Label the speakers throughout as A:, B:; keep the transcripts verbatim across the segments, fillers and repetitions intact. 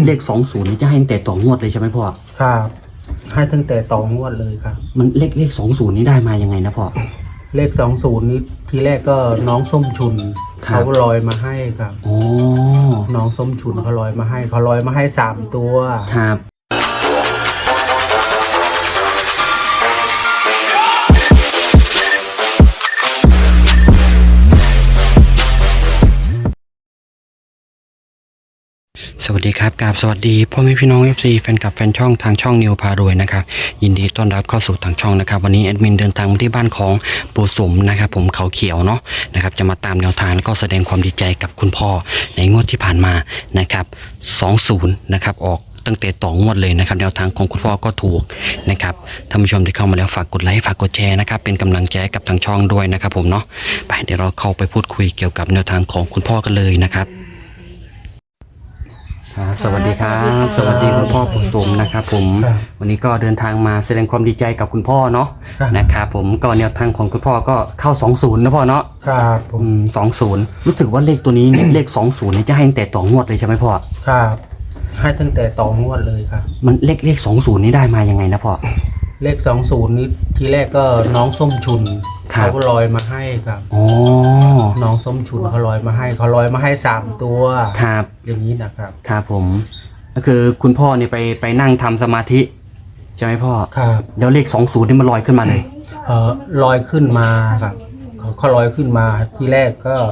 A: เลขสองศูนย์นี่จะให้ตั้งแต่ต่องวดเลยใช่ไหมพ่อ
B: ครับให้ตั้งแต่ต่องวดเลยครับ
A: มันเลขเลขสองศูนย์นี่ได้มายังไงนะพ่อ
B: เลขสองศูนย์นี้ทีแรกก็น้องส้มชุนเขาลอยมาให้ครับ
A: อ๋อ
B: น้องส้มชุนเขาลอยมาให้เขาลอยมาให้สามตัว
A: ครับสวัสดีครับกราบสวัสดีพ่อแม่พี่น้อง เอฟ ซี แฟนคลับแฟนช่องทางช่องนิวพารวยนะครับยินดีต้อนรับเข้าสู่ทางช่องนะครับวันนี้แอดมินเดินทางมาที่บ้านของปู่สมนะครับผมเขาเขียวเนาะนะครับจะมาตามแนวทางแล้วก็แสดงความดีใจกับคุณพ่อในงวดที่ผ่านมานะครับสองศูนย์นะครับออกตั้งแต่ต่องวดเลยนะครับแนวทางของคุณพ่อก็ถูกนะครับท่านผู้ชมที่เข้ามาแล้วฝากกดไลค์ฝากกดแชร์นะครับเป็นกำลังใจกับทางช่องด้วยนะครับผมเนาะไปเดี๋ยวเราเข้าไปพูดคุยเกี่ยวกับแนวทางของคุณพ่อกันเลยนะครับสวัสดีครับสวัสดีคุณพ่อปู่สมนะครับผมวันนี้ก็เดินทางมาแสดงความดีใจกับคุณพ่อเนาะนะครับผมก็แนวทางของคุณพ่อก็เข้าสองศูนย์นะพ่อเนาะ
B: ครับผม
A: สองศูนย์รู้สึกว่าเลขตัวนี้เนี่ยเลขสองศูนย์เนี่ยจะให้ตั้งแต่ต่องวดเลยใช่ไหมพ่อ
B: ครับให้ตั้งแต่ต่องวดเลยครับ
A: มันเลขเลขสองศูนย์นี่ได้มายังไงนะพ่อ
B: เลขสองศูนย์นี้ทีแรกก็น้องส้มชุนเขาลอยมาให้ครับ
A: อ๋อ
B: น้องส้มชุนเขาลอยมาให้เขาลอยมาให้สามตัว
A: ครับ
B: อย่างนี้นะครับ
A: ครับผมก็คือคุณพ่อเนี่ยไปไปนั่งทำสมาธิใช่ไหมพ่อ
B: ครับ
A: แล้วเลขสองศูนย์นี่มันลอยขึ้นมาเลย
B: เออลอยขึ้นมาครับเขาเขาลอยขึ้นมาทีแรกก็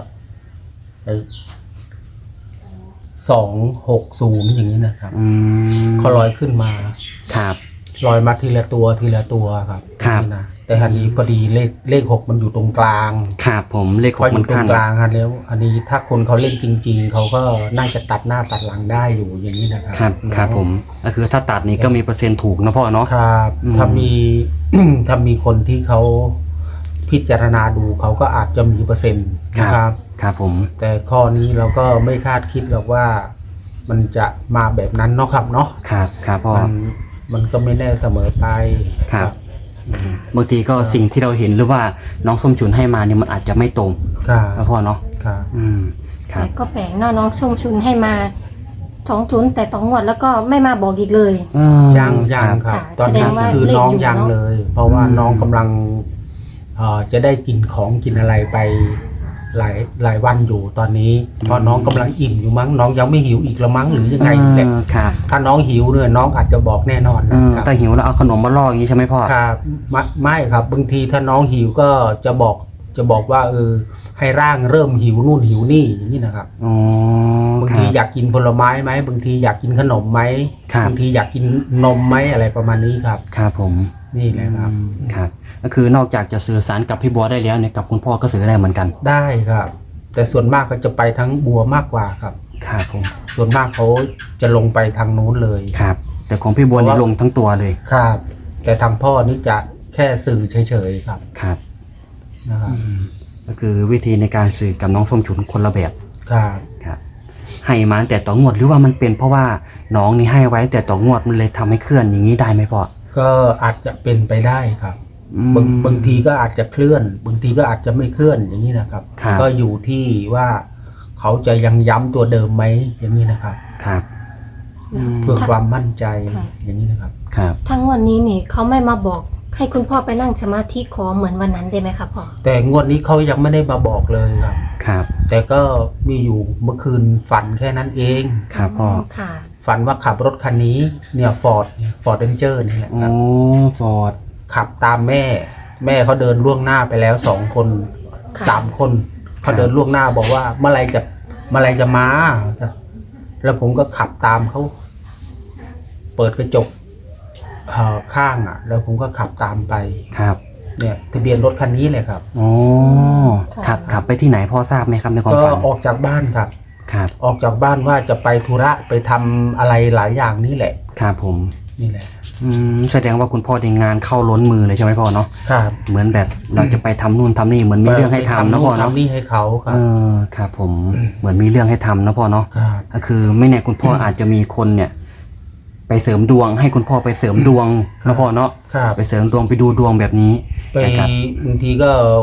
B: สองหกศูนย์อย่างนี้นะครับเขาลอยขึ้นมา
A: ครับ
B: ลอยมาทีละตัวทีละตัวครับ
A: ครับ
B: นะแต่อันนี้พอดีเลขเลขหกมันอยู่ตรงกลาง
A: ครับผมเลขหกมัน
B: ตรงกลางครับแล้วอันนี้ถ้าคนเขาเล่นจริงๆเขาก็น่าจะตัดหน้าตัดหลังได้อยู่อย่างนี้นะครับ
A: ครับครับผมก็คือถ้าตัดนี้ก็มีเปอร์เซ็นต์ถูกนะพ่อเนาะ
B: ครับถ้ามีถ้ามีคนที่เขาพิจารณาดูเขาก็อาจจะมีเปอร์เซ็นต์นะครับ
A: ครับผม
B: แต่ข้อนี้เราก็ไม่คาดคิดหรอกว่ามันจะมาแบบนั้นเนาะครับเนาะ
A: ครับครับพ่อ
B: มันก็ไม่แน่เสมอไป
A: ครับบางทีก็สิ่งที่เราเห็นหรือว่าน้องส้มฉุนให้มาเนี่ยมันอาจจะไม่ตรงครับพ่อเนาะ
B: ครับ
A: อืมครับ
C: ก็แปลกเนาะน้องส้มฉุนให้มาสองศูนย์แต่ต่องวดแล้วก็ไม่มาบอกอีกเลย
B: ยังยังครับตอนนี้คือน้องยังเลย เพราะว่าน้องกำลังจะได้กินของกินอะไรไปหลายหลายวันอยู่ตอนนี้เพราะน้องกำลังอิ่มอยู่มั้งน้องยังไม่หิวอีกละมั้งหรือยังไงเนี่ยถ้าน้องหิวเนี่ยน้องอาจจะบอกแน่นอนนะครับ
A: แต่หิวแล้วเอาขนมมาล่ออย่างนี้ใช่ไหมพ่อ
B: ครับไม่ครับบางทีถ้าน้องหิวก็จะบอกจะบอกว่าเออให้ร่างเริ่มหิวนู่นหิวนี่อย่างนี้นะครับบางทีอยากกินผลไม้ไหมบางทีอยากกินขนมไหมบางทีอยากกินนมไหมอะไรประมาณนี้ครับ
A: ครับผม
B: นี่แหละครับ
A: ครับก็คือนอกจากจะสื่อสารกับพี่บัวได้แล้วเนี่ยกับคุณพ่อก็สื่อได้เหมือนกัน
B: ได้ครับแต่ส่วนมากเขาจะไปทั้งบัวมากกว่าครับ
A: ครับผม
B: ส่วนมากเขาจะลงไปทางนู้นเลย
A: ครับแต่ของพี่บัวนี่ลงทั้งตัวเลย
B: ครับแต่ทางพ่อนี่จะแค่สื่อเฉยๆครับ
A: ครับ
B: นะครับ
A: ก็คือวิธีในการสื่อกับน้องส้มฉุนคนละแบบ
B: ครับ
A: ครับให้มาแต่ต่องวดหรือว่ามันเป็นเพราะว่าน้องนี่ให้ไว้แต่ต่องวดมันเลยทำให้เคลื่อนอย่างนี้ได้ไหมพ่อ
B: ก็อาจจะเป็นไปได้ครับบางบางทีก็อาจจะเคลื่อนบางทีก็อาจจะไม่เคลื่อนอย่างนี้นะครับก็อยู่ที่ว่าเขาจะยังย้ำตัวเดิมไหมอย่างนี้นะครับ
A: ครับ
B: เพื่อความมั่นใจอย่างนี้นะครับ
A: ครับ
C: ทั้งวันนี้นี่เขาไม่มาบอกให้คุณพ่อไปนั่งสมาธิขอเหมือนวันนั้นได้ไหมครับพ่อ
B: แต่งวดนี้เขายังไม่ได้มาบอกเลยครับ
A: ครับ
B: แต่ก็มีอยู่เมื่อคืนฝันแค่นั้นเอง
A: ครับพ่อ
C: ค่ะ
B: ฝันว่าขับรถคันนี้เนี่ยฟอร์ดฟอร์ดเรนเจอร์นี่แหละครับ
A: โอ้ฟอร์ด
B: ขับตามแม่แม่เขาเดินล่วงหน้าไปแล้วสองคนสามคนเขาเดินล่วงหน้าบอกว่าเมื่อไรจะเมื่อไรจะมาแล้วผมก็ขับตามเขาเปิดกระจกข้างอ่ะแล้วผมก็ขับตามไป
A: ครับ
B: เนี่ยทะเบียนรถคันนี้เลยครับ
A: อ๋อขับขับไปที่ไหนพ่อทราบไหมครับในความฝัน
B: ก็ออกจากบ้านครับ
A: ครับ
B: ออกจากบ้านว่าจะไปธุระไปทำอะไรหลายอย่างนี่แหละ
A: ครับผม
B: นี่แหละ
A: อืมแสดงว่าคุณพ่อในงานเข้าล้นมือเลยใช่ไหมพ่อเนาะ
B: ครับ
A: เหมือนแบบเราจะไปทำนู่นทำนี่เหมือนมีเรื่องให้ทำนะพ่อเนาะ
B: ทำนี่ให้เขาครับ
A: เออครับผมเหมือนมีเรื่องให้ทำนะพ่อเนาะก็คือไม่แน่คุณพ่ออาจจะมีคนเนี่ยไปเสริมดวงให้คุณพ่อไปเสริมดวงนะพ่อเนาะไปเสริมดวงไปดูดวงแบบนี้
B: ไปบางทีก็ค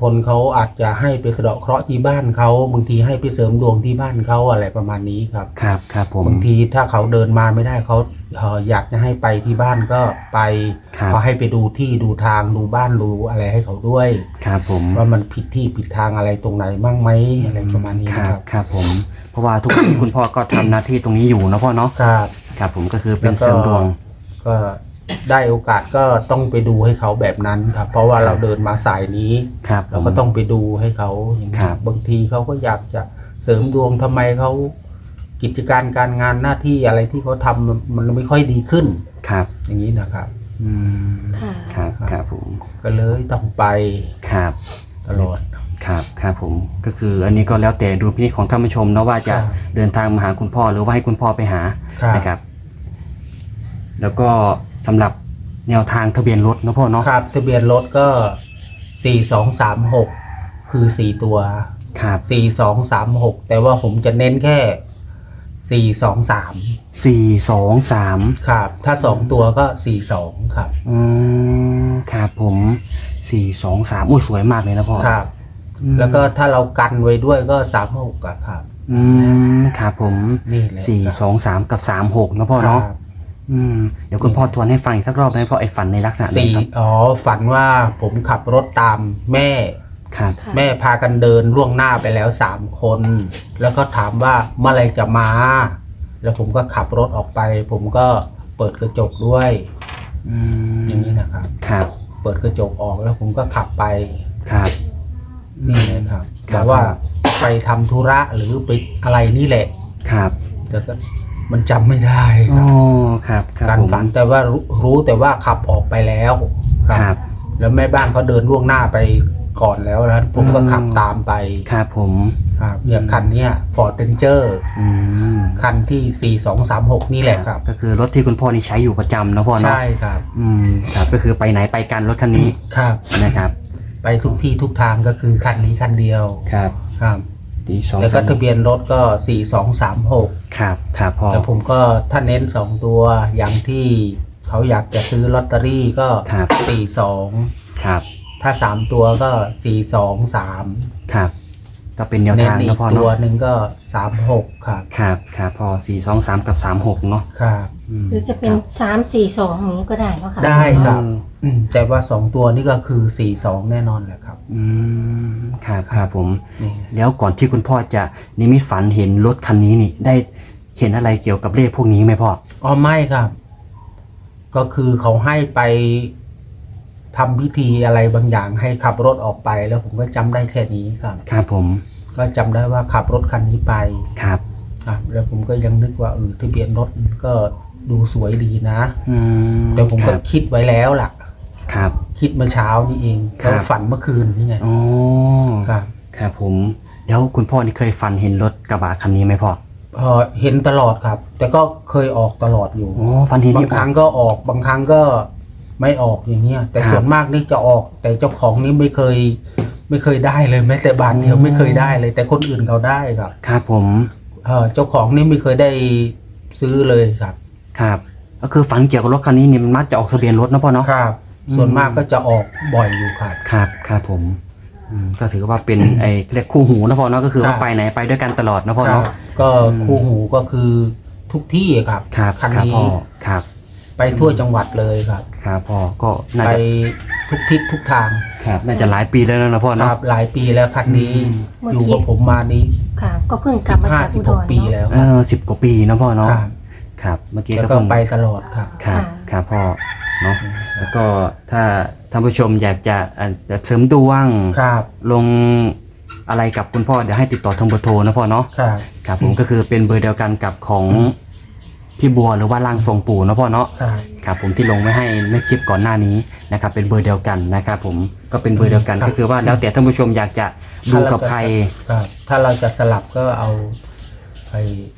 B: คนเขาอาจจะให้ไปสะเดาะเคราะห์ที่บ้านเขาบางทีให้ไปเสริมดวงที่บ้านเขาอะไรประมาณนี้ครับ
A: ครับครับผม
B: บางทีถ้าเขาเดินมาไม่ได้เขาเอ่ออยากจะให้ไปที่บ้านก็ไป
A: ครับ
B: เขาให้ไปดูที่ดูทางดูบ้านดูอะไรให้เขาด้วย
A: ครับผม
B: ว่ามันผิดที่ผิดทางอะไรตรงไหนบ้างไหมอะไรประมาณนี้
A: ครั
B: นะ
A: บ
B: ครับ
A: ครับผม เพราะว่าทุกวันนี้ คุณพ่อก็ทำหน้าที่ตรงนี้อยู่นะพ่อเนาะ
B: ครับ
A: ครับผมก็คือเป็น
B: แล้วก็
A: เสริมดวง
B: ก็ได้โอกาสก็ต้องไปดูให้เขาแบบนั้นครับ เพราะว่า
A: ครับ
B: เราเดินมาสายนี้
A: ครับ
B: เราก็ต้องไปดูให้เขาอย่างนี้
A: ครับ
B: บางทีเขาก็อยากจะเสริมดวงทำไมเขากิจการการงานหน้าที่อะไรที่เขาทำมันไม่ค่อยดีขึ้น
A: ครับ
B: อย่างนี้นะครับ
A: อืม
C: ค่ะ
A: ครับครับผม
B: ก็เลยต้องไป
A: ครับ
B: ตลอด
A: ครับครับผมก็คืออันนี้ก็แล้วแต่ดูพินิจของท่านผู้ชมเนาะว่าจะ
B: ครับ
A: เดินทางมาหาคุณพ่อหรือว่าให้คุณพ่อไปหา
B: ครับ
A: นะครับ แล้วก็สำหรับแนวทางทะเบียนรถนะพ่อเนาะ
B: ครับทะเบียนรถก็สี่สองสามหกคือสี่ตัว
A: ครับ
B: สี่สองสามหกแต่ว่าผมจะเน้นแค่สี่สองสาม
A: สี่สองสาม
B: ครับ ถ้าสองตัวก็สี่สองครับ
A: อืมครับผมสี่สองสามอุ้ยสวยมากเลยนะพ่อ
B: ครับ
A: อืม
B: แล้วก็ถ้าเรากันไว้ด้วยก็สามหกครับ
A: อืมครับผม
B: นี่แหละ
A: สี่สองสามกับสามหกนะพ่อ
B: ค
A: เนาะ
B: รับ
A: อืมเดี๋ยวคุณพ่อทวนให้ฟังอีกสักรอบได้ไหมพ่อไอ้ฝันในลักษณะไหน
B: สี่
A: ครับ
B: อ๋อฝันว่าผมขับรถตามแม่
A: ครับ
C: ค่ะ
B: แม่พากันเดินล่วงหน้าไปแล้วสามคน แล้วก็ถามว่าเมื่อไหรจะมา แล้วผมก็ขับรถออกไป ผมก็เปิดกระจกด้วย
A: อืม
B: อย่างนี้นะครับ
A: ครับ
B: เปิดกระจกออกแล้วผมก็ขับไป
A: ครับ
B: นี่เลยครับ
A: ครับ
B: แต่ว่าไปทำธุระหรือไปอะไรนี่แหละ
A: ครับ
B: แต่ก็มันจำไม่ได้ค
A: อ๋
B: รั
A: อบ ครับครับ
B: การ
A: ผม
B: ฝันแต่ว่ารู้รู้แต่ว่าขับออกไปแล้วค
A: ค
B: รั
A: รับ บ
B: แล้วแม่บ้านเขาเดินล่วงหน้าไปก่อนแล้วนะผมก็
A: อืม
B: ขับตามไป
A: ครับผม
B: ครับอย่างคันเนี้ย Ford Ranger
A: อืม
B: คันที่สี่สองสามหกนี่แหละครับ
A: ก็คือรถที่คุณพ่อนี่ใช้อยู่ประจำนะพ่อเนาะ
B: ใช่ครับ
A: อืมครับก็คือไปไหนไปกันรถคันนี้
B: ครับ
A: นะครับ
B: ไปทุกที่ทุกทางก็คือคันนี้คันเดียว
A: ครับ
B: ครับ
A: ดีสอง
B: แล้วก็
A: สาม
B: ทะเบียนรถก็สี่สองสามหก
A: ครับครับพ่อ
B: แล้วผมก็ถ้าเน้นสองตัวอย่างที่เขาอยากจะซื้อลอตเตอรี่ก็
A: ครับ
B: สี่สอง
A: ครับ
B: ถ้าสามตัวก็สี่สองสาม
A: ครับ ก็เป็นแนว
B: เน้น
A: ทาง
B: อี
A: นะ
B: ก
A: พ่อ
B: ตัว
A: เนาะ
B: หนึ่งก็สามหกครับ
A: ครับครับพ่อสี่สองสามกับสามหกเนาะ
B: ครับ
A: อืม
C: หรือจะเป็นสามสี่สองอย่างนี้ก็ได้เนาะค่ะ
B: ได้ครับ
A: เออ
B: อืมแต่ว่าสองตัวนี่ก็คือสี่สองแน่นอนแหละครับ
A: อืมครับครับผม
B: นี่
A: แล้วก่อนที่คุณพ่อจะนิมิตฝันเห็นรถคันนี้นี่ ได้เห็นอะไรเกี่ยวกับเลขพวกนี้ไหมพ่อ
B: อ๋อไม่ครับ ก็คือเขาให้ไปทำพิธีอะไรบางอย่างให้ขับรถออกไป แล้วผมก็จำได้แค่นี้ครับ
A: ครับผม
B: ก็จำได้ว่าขับรถคันนี้ไป
A: ครับ
B: ครับแล้วผมก็ยังนึกว่าเออทะเบียนรถก็ดูสวยดีนะ
A: อืม
B: แต่ผม
A: ค
B: ก็
A: รับ
B: คิดไว้แล้วล่ะ
A: ครับ
B: คิดเมื่อเช้านี่เอง
A: ครับ
B: แล้วฝันเมื่อคืนนี่ไง
A: อ๋อ
B: ครับ
A: ครับผม แล้วคุณพ่อนี่เคยฝันเห็นรถกระบะคันนี้ไหมพ่อ
B: เออเห็นตลอดครับ แต่ก็เคยออกตลอดอยู่
A: อ๋อฝันเห็น
B: บาง
A: นี่
B: ครั้งก็ออกบางครั้งก็ไม่ออกอย่างเงี้ย แต่
A: ครับ
B: ส่วนมากนี่จะออก แต่เจ้าของนี่ไม่เคย ไม่เคยได้เลยแม้แต่บาทเดียว
A: อืม
B: ไม่เคยได้เลย แต่คนอื่นเขาได้ครับ
A: ครับผม
B: เออเจ้าของนี่ไม่เคยได้ซื้อเลยครับ
A: ครับ ก็คือฝันเกี่ยวกับรถคันนี้นี่มันมักจะออกทะเบียนรถนะพ่อเนาะ
B: ครับ ส่วนมากก็จะออกบ่อยอยู่ครับ
A: ครับครับผมอืมก็ถือว่าเป็น ไอ้เรียกคู่หูนะพ่อเนาะก็คือ
B: ครั
A: ว่า
B: บ
A: ไปไหนไปด้วยกันตลอดนะพ่อ
B: ครั
A: เนาะ
B: บก็
A: อืม
B: คู่หูก็คือทุกที่ครับ
A: ครับ
B: คัน
A: ครับ
B: นี้
A: พ่อครับ
B: ไปทั่วจังหวัดเลยครับ
A: ครับพ่อก็น่า
B: ไป
A: จะ
B: ทุกทิศทุกทาง
A: ครับน่าจะหลายปีแล้วนะพ่อ
B: ค
A: เนาะ
B: รับหลายปีแล้วคันนี้
C: เมื่อ
B: อยู่
C: กี้
B: กับผมมานี้
C: ค่ะ ก็เพิ่งก
B: สิ
C: ลับบ มา
B: ห้า
C: จาก
B: สิ
C: อุ
B: บ
C: ด
B: หก
C: ร
B: ปี
C: เนาะ
B: แล้ว
A: เออสิบกว่าปีนะพ่อเนาะ
B: ครับ
A: ครับเมื่อกี้
B: แล้ว
A: ก็
B: ก็
A: เพิ่ง
B: ไปตลอดครับ
A: ครับ
C: ค่ะ
A: ครับพ่อเนาะแล้วก็ถ้าท่านผู้ชมอยากจะอ่ะจะเสริมดวง
B: ครับ
A: ลงอะไรกับคุณพ่อเดี๋ยวให้ติดต่อทางเบอร์โทรนะพ่อเนาะ
B: ครับ
A: ครับผมก็คือเป็นเบอร์เดียวกันกับของพี่บัวหรือว่าร่างทรงปู่นะพ่อเนาะ
B: ครับ
A: ครับผมที่ลงไว้ให้เมื่อคลิปก่อนหน้านี้นะครับเป็นเบอร์เดียวกันนะครับผมก็เป็นเบอร์เดียวกันก็คือว่าแล้วแต่ท่านผู้ชมอยากจะดูกับใคร
B: ครับ ถ้าเราจะสลับก็เอาไป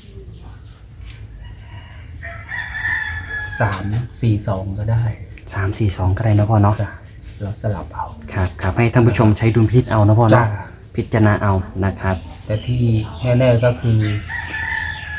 B: สามสี่สองก็ได้
A: สามสี่สองก็ได้นะพ่อเนาะ
B: จ้ะเราสลับเอา
A: ครับครับให้ท่านผู้ชมใช้ดุลพินิจเอานะพ่อ
B: จ้ะ
A: เนาะพิจารณาเอานะครับ
B: แต่ที่แน่ๆก็คือ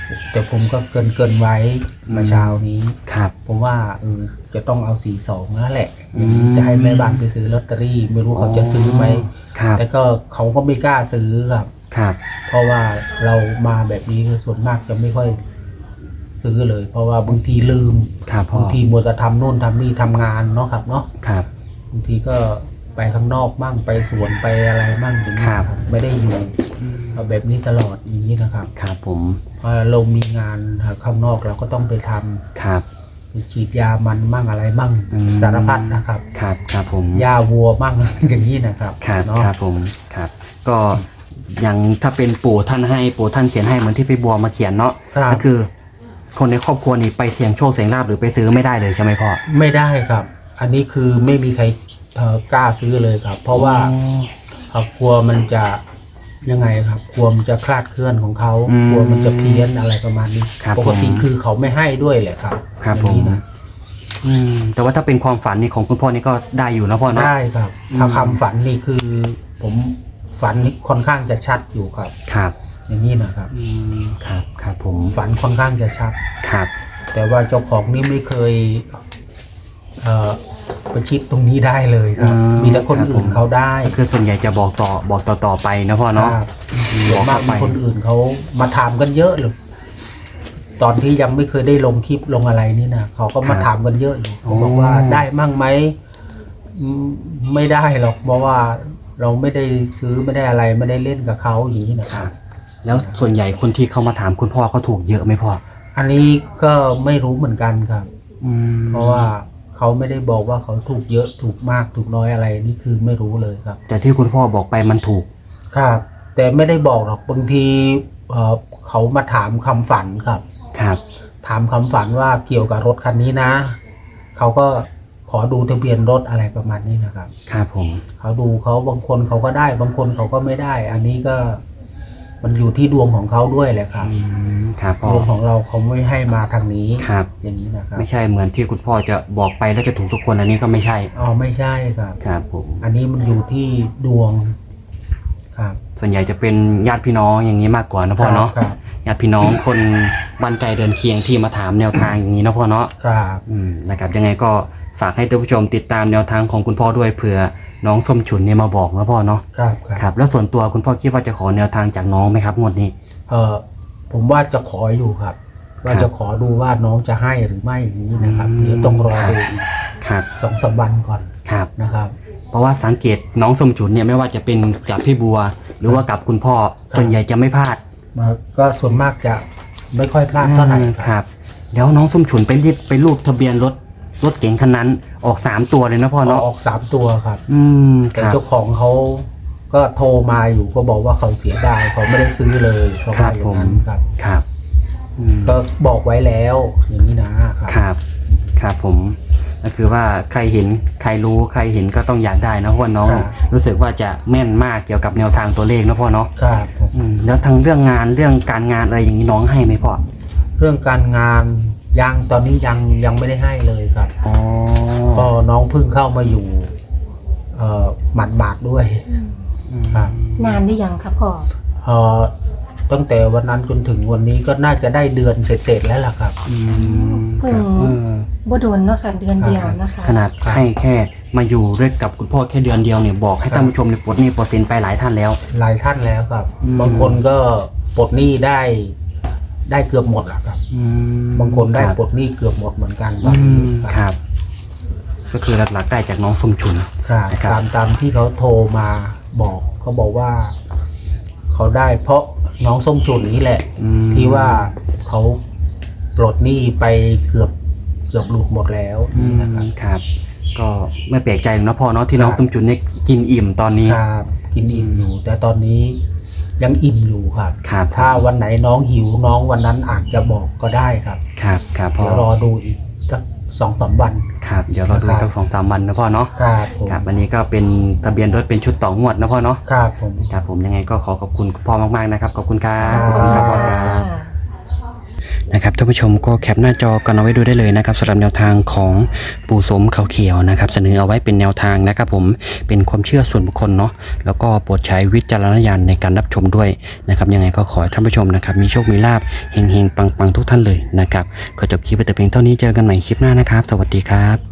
B: แต่ผมก็เกินเกินไว้เมื่อเช้านี้
A: ครับ
B: ผมว่าเออจะต้องเอาสี่สองนั่นแหละ
A: อืม
B: จะให้แม่บ้านไปซื้อลอตเตอรี่ ไม่รู้เขาจะซื้อไหม
A: ครับ
B: แต่ก็เขาก็ไม่กล้าซื้อครับ
A: ครับ
B: เพราะว่าเรามาแบบนี้คือส่วนมากจะไม่ค่อยซื้อเลย เพราะว่าบางทีลืม
A: ครับพ่อบ
B: างทีมัวแต่ทำโน่นทำนี่ทำงานเนาะครับเนาะ
A: ครับ
B: บางทีก็ไปข้างนอกบ้างไปสวนไปอะไรบ้างอย่างนี้
A: ครับ
B: ครับไม่ได้อยู่แบบนี้ตลอดอย่างนี้นะครับ
A: ครับผม
B: พอเรามีงานข้างนอกเราก็ต้องไปทำ
A: ครับ
B: ไปฉีดยามันมั่งอะไรมั่ง
A: อืม
B: สารพัดนะครับ
A: ครับครับผม
B: ยาวัวมั่ง อย่างนี้นะครับ
A: ครับ
B: เนาะ
A: ครับผมครับก็อย่างถ้าเป็นปู่ท่านให้ปู่ท่านเขียนให้เหมือนที่พี่บัวมาเขียนเนาะ
B: ครับ
A: ก็คือคนในครอบครัวนี่ไปเสี่ยงโชคเสี่ยงลาภหรือไปซื้อไม่ได้เลยใช่ไหมพ่อ
B: ไม่ได้ครับ อันนี้คือไม่มีใครเอ่อกล้าซื้อเลยครับ เพราะว่าเอ่อกลัวมันจะยังไงครับกลัวมันจะคลาดเคลื่อนของเขากลัวมันจะเพี้ยนอะไรประมาณนี้
A: ครับ
B: ปกติ
A: ผม
B: คือเขาไม่ให้ด้วยแหละครับ
A: ครับ
B: อ
A: ผ
B: ย่าง
A: ม
B: นี้นะ
A: อืมแต่ว่าถ้าเป็นความฝันนี่ของคุณพ่อนี่ก็ได้อยู่นะพ่อเนาะ
B: ได้ครับ ถ้าคำฝันนี่คือ ผมฝันนี่ค่อนข้างจะชัดอยู่ครับ
A: ครับ
B: อย่างนี้นะครับ
A: อืมครับครับผม
B: ฝันค่อนข้างจะชัด
A: ครับ
B: แต่ว่าเจ้าของนี่ไม่เคยเอ่อประชิดตรงนี้ได้เลยครับ มีแต่คนอื่นเขาได้
A: ก็คือส่วนใหญ่จะบอกต่อบอกต่อต่อไปนะพ่อเนาะ
B: ครับส่วนมากมีคนอื่นเขามาถามกันเยอะเลยตอนที่ยังไม่เคยได้ลงคลิปลงอะไรนี่นะเขาก็มาถามกันเยอะอยู่เขาบอกว่าได้มั่งไหมอืมไม่ได้หรอกเพราะว่าเราไม่ได้ซื้อไม่ได้อะไรไม่ได้เล่นกับเขาอย่างนี้นะ
A: ค
B: ค
A: รั
B: รั
A: บบ แล้วส่วนใหญ่คนที่เขามาถามคุณพ่อเขาถูกเยอะไหมพ่อ
B: อันนี้ก็ไม่รู้เหมือนกันครับ
A: อืม
B: เพราะว่าเขาไม่ได้บอกว่าเขาถูกเยอะถูกมากถูกน้อยอะไรนี่คือไม่รู้เลยครับ
A: แต่ที่คุณพ่อบอกไปมันถูก
B: ครับ แต่ไม่ได้บอกหรอกบางทีเอ่อเขามาถามคำฝันครับ
A: ครับ
B: ถามคำฝันว่าเกี่ยวกับรถคันนี้นะเขาก็ขอดูทะเบียนรถอะไรประมาณนี้นะครับ
A: ครับผม
B: เขาดูเขาบางคนเขาก็ได้ บางคนเขาก็ไม่ได้ อันนี้ก็มันอยู่ที่ดวงของเขาด้วยแหละครับ
A: อืมครับพ่อ
B: ดวงของเราเขาไม่ให้มาทางนี้
A: ครับ
B: อย่างนี้นะครับ
A: ไม่ใช่เหมือนที่คุณพ่อจะบอกไปแล้วจะถูกทุกคนอันนี้ก็ไม่ใช่
B: อ๋อไม่ใช่ครับ
A: ครับผม
B: อันนี้มันอยู่ที่ดวงครับ
A: ส่วนใหญ่จะเป็นญาติพี่น้องอย่างนี้มากกว่านะพ่อเนาะ
B: ครับ
A: ญาติพี่น้องคนบ้านไกลเดินเคียงที่มาถามแนวทางอย่างนี้นะพ่อเนาะ
B: ครับ
A: อืมนะครับยังไงก็ฝากให้ท่านผู้ชมติดตามแนวทางของคุณพ่อด้วยเผื่อน้องส้มฉุนเนี่ยมาบอกนะพ่อเนาะ
B: ครับครับ
A: ครับแล้วส่วนตัวคุณพ่อคิดว่าจะขอแนวทางจากน้องไหมครับงวดนี้
B: เออผมว่าจะขออยู่ครับ ว่าจะขอดูว่าน้องจะให้หรือไม่อย่างนี้นะครับ
A: อืม
B: เดี๋ยวต้องรอดูอีก
A: ครับ
B: สองสามวันก่อน
A: ครับ
B: นะครับ
A: เพราะว่าสังเกตน้องส้มฉุนเนี่ยไม่ว่าจะเป็นกับพี่บัว หรือว่ากับคุณพ่อส่วนใหญ่จะไม่พลาด
B: มาก็ส่วนมากจะไม่ค่อยพลาดเท่าไหร่
A: อืม
B: ค
A: ครับ รับแล้วน้องส้มฉุนไปรีดไปรูปทะเบียนรถรถเก๋งคันนั้นออกสามตัวเลยนะพ่อ
B: เอา
A: เนาะ
B: ออกสามตัวครับ
A: อืมค
B: แต่
A: รับ
B: เจ้าของเขาก็โทรมาอยู่ก็บอกว่าเขาเสียดายเขาไม่ได้ซื้อเลยเขาว่าอย่างนั้นครับ
A: ครับอืม
B: ก็บอกไว้แล้วอย่างนี้นะครับ
A: ครับครับผมก็คือว่าใครเห็นใครรู้ใครเห็นก็ต้องอยากได้นะเพราะว่าน้องรู้สึกว่าจะแม่นมากเกี่ยวกับแนวทางตัวเลขนะพ่อเนาะ
B: ครับผม
A: อืมแล้วทางเรื่องงานเรื่องการงานอะไรอย่างนี้น้องให้ไหมพ่อ
B: เรื่องการงานยังตอนนี้ยังยังไม่ได้ให้เลยครับ
A: อ๋อ
B: ก็น้องเพิ่งเข้ามาอยู่เอ่อหมาดหมาดๆด้วยครับ
C: นานหรือยังครับพ่อ
B: เอ่อตั้งแต่วันนั้นจนถึงวันนี้ก็น่าจะได้เดือนเสร็จๆแล้วล่ะครับ
A: อืม
C: เพิ่ง
A: เออ
C: บ่โดนเนาะค่ะเดือนเดียวนะคะ
A: ขนาดให้แค่มาอยู่ด้วยกับคุณพ่อแค่เดือนเดียวเนี่ยบอกให้ท่านผู้ชมเนี่ยปลดหนี้ปลดสินไปหลายท่านแล้ว
B: หลายท่านแล้วครับ
A: อืม
B: บางคนก็ปลดหนี้ได้ได้เกือบหมดแล้วครับ
A: อืม
B: บางคนได้
A: รับ
B: ปลดหนี้เกือบหมดเหมือนกันต
A: อื
B: อนนี้
A: มครับ ก็คือหลักๆได้จากน้องส้มฉุน
B: ครับ
A: นะครับ
B: ตามตามที่เขาโทรมาบอกเขาบอกว่า เขาได้เพราะน้องส้มฉุนนี่แหละ
A: อืม
B: ที่ว่าเขาปลดหนี้ไปเกือบเกือบหลุดหมดแล้ว
A: อื
B: นี่
A: ม
B: นะครับ
A: ครับ ก็ไม่แปลกใจหรอกนะพ่อเนาะที่น้อง
B: ครับ
A: ส้มฉุนเนี่ยกินอิ่มตอนนี้
B: ครับกินอิ่มอยู่ แต่ตอนนี้ยังอิ่มอยู่ครับ
A: ครับ
B: ถ้าวันไหนน้องหิวน้องวันนั้นอาจจะบอกก็ได้ครับ
A: ครับครับพ่อ
B: เดี๋ยวรอดูอีกสักสองสามวัน
A: ครับเดี๋ยวเราดู
B: ครับ
A: สักสองสามวันนะพ่อเนาะ
B: ครับผม
A: ครับอันนี้ก็เป็นทะเบียนรถเป็นชุดต่องวดนะพ่อเนาะ
B: ครับผม
A: ครับผมยังไงก็ขอขอบคุณคุณพ่อมากๆนะครับขอบคุณครับ
B: ครับ
A: ขอบคุณครับพ่อครับนะครับท่านผู้ชมก็แคปหน้าจอกันเอาไว้ดูได้เลยนะครับสำหรับแนวทางของปู่สมเขาเขียวนะครับเสนอเอาไว้เป็นแนวทางนะครับผมเป็นความเชื่อส่วนบุคคลเนาะแล้วก็โปรดใช้วิจารณญาณในการรับชมด้วยนะครับยังไงก็ขอให้ท่านผู้ชมนะครับมีโชคมีลาภเฮงๆปังๆทุกท่านเลยนะครับขอจบคลิปไปแต่เพียงเท่านี้เจอกันใหม่คลิปหน้านะครับสวัสดีครับ